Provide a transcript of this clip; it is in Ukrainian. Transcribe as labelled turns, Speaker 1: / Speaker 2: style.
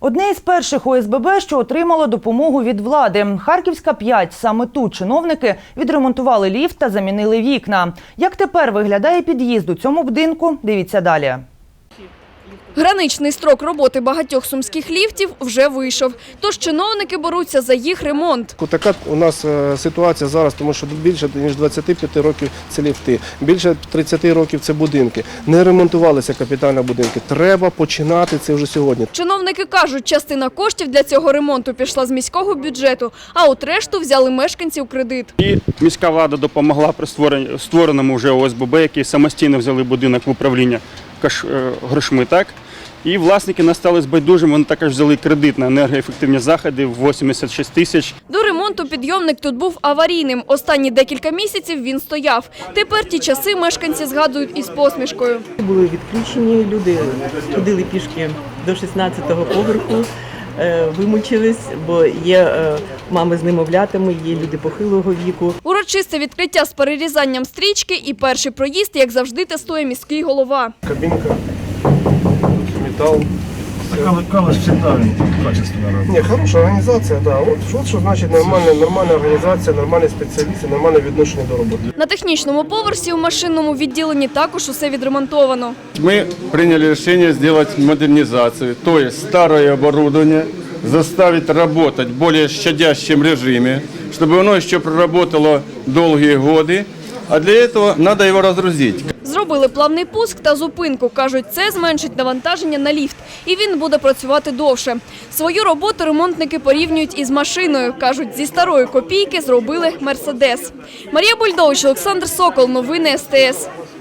Speaker 1: Одне із перших ОСББ, що отримало допомогу від влади. Харківська 5. Саме тут чиновники відремонтували ліфт та замінили вікна. Як тепер виглядає під'їзд у цьому будинку? Дивіться далі.
Speaker 2: Граничний строк роботи багатьох сумських ліфтів вже вийшов. Тож чиновники беруться за їх ремонт.
Speaker 3: Така у нас ситуація зараз, тому що більше ніж 25 років це ліфти, більше 30 років це будинки. Не ремонтувалися капітально будинки. Треба починати це вже сьогодні.
Speaker 2: Чиновники кажуть, частина коштів для цього ремонту пішла з міського бюджету, а от решту взяли мешканці у кредит.
Speaker 4: І міська влада допомогла при створеному вже ОСББ, які самостійно взяли будинок в управління грошми, так? І власники настали байдужими, вони також взяли кредит на енергоефективні заходи в 86 тисяч.
Speaker 2: До ремонту підйомник тут був аварійним. Останні декілька місяців він стояв. Тепер ті часи мешканці згадують із посмішкою.
Speaker 5: Були відключені, люди ходили пішки до 16-го поверху, вимучились, бо є мами з немовлятами, є люди похилого віку.
Speaker 2: Урочисте відкриття з перерізанням стрічки і перший проїзд, як завжди, тестує міський голова.
Speaker 3: Кабінка, метал.
Speaker 6: Калаш всегда качественно работает.
Speaker 3: Ні, хороша організація, да. От що значить нормальна організація, нормальні спеціалісти, нормальне відношення до роботи.
Speaker 2: На технічному поверсі у машинному відділенні також усе відремонтовано.
Speaker 7: Мы приняли решение сделать модернизацию, то есть старое оборудование заставить работать в более щадящем режиме, чтобы оно еще проработало долгие годы, а для этого надо его разгрузить.
Speaker 2: Зробили плавний пуск та зупинку. Кажуть, це зменшить навантаження на ліфт. І він буде працювати довше. Свою роботу ремонтники порівнюють із машиною. Кажуть, зі старої копійки зробили «Мерседес». Марія Бульдович, Олександр Сокол. Новини СТС.